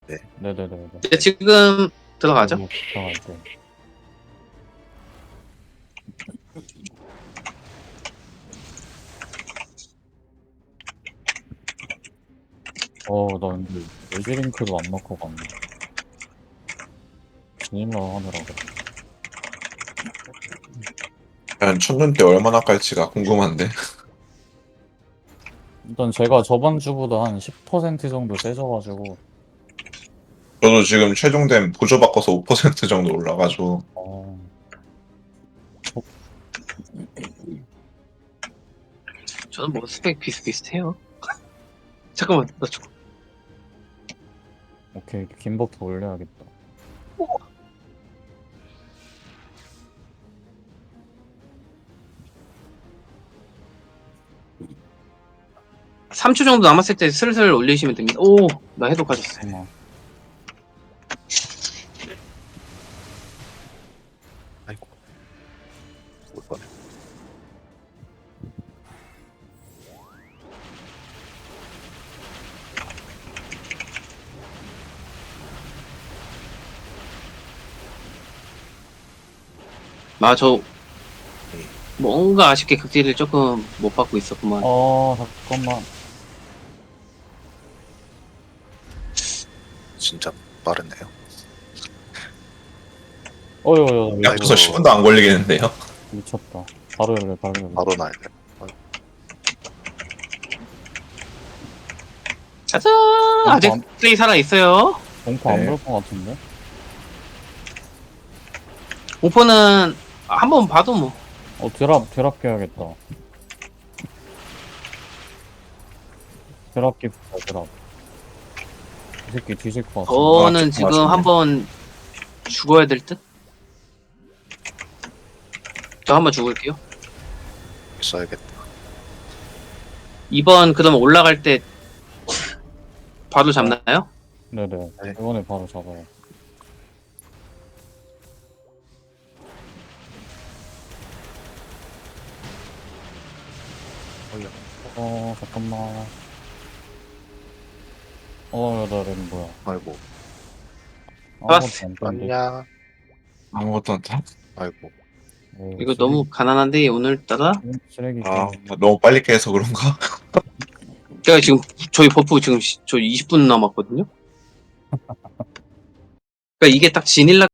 네네네. 네, 지금 들어가죠. 들어갈 때. 나 근데 레지링크도 안 넣고 갔네. 진일라 하느라고. 과연 첫눈 때 얼마나 깔지가 궁금한데. 일단 제가 저번 주보다 한 10% 정도 세져가지고, 저도 지금 최종된 보조 바꿔서 5% 정도 올라가지고 어, 저는 뭐 스펙 비슷비슷해요. 잠깐만, 나 죽어. 오케이. 긴 버프 올려야겠다. 3초 정도 남았을 때 슬슬 올리시면 됩니다. 오, 나 해독하셨어요. 잠깐만. 아이고. 올 뻔해. 저 뭔가 아쉽게 극딜을 조금 못 받고 있었구만. 잠깐만. 진짜 빠르네요. 어휴, 약부서 10분도 안 걸리겠는데요. 미쳤다. 바로 열려. 바로 나야 돼. 짜잔! 아직 플레이 살아있어요. 공포 안 네. 볼 것 같은데? 오퍼는 한번 봐도 뭐. 드랍 깨야겠다. 드랍 끼다, 드랍. 이 새끼 뒤질 것 같아. 저는 지금 맞습니다. 한번 죽어야 될 듯? 저 한번 죽을게요. 써야겠다. 2번 그러면 올라갈 때 바로 잡나요? 네네. 네. 이번에 바로 잡아요. 잠깐만. 나 렉 뭐야. 아이고. 아무것도 안 떴는데. 아니야. 아무것도 안 타. 아이고. 이거 너무 가난한데 오늘따라? 쓰레기 아 너무 빨리 깨서 그런가? 제가 지금 저희 버프 지금 저 20분 남았거든요? 그러니까 이게 딱 지닐라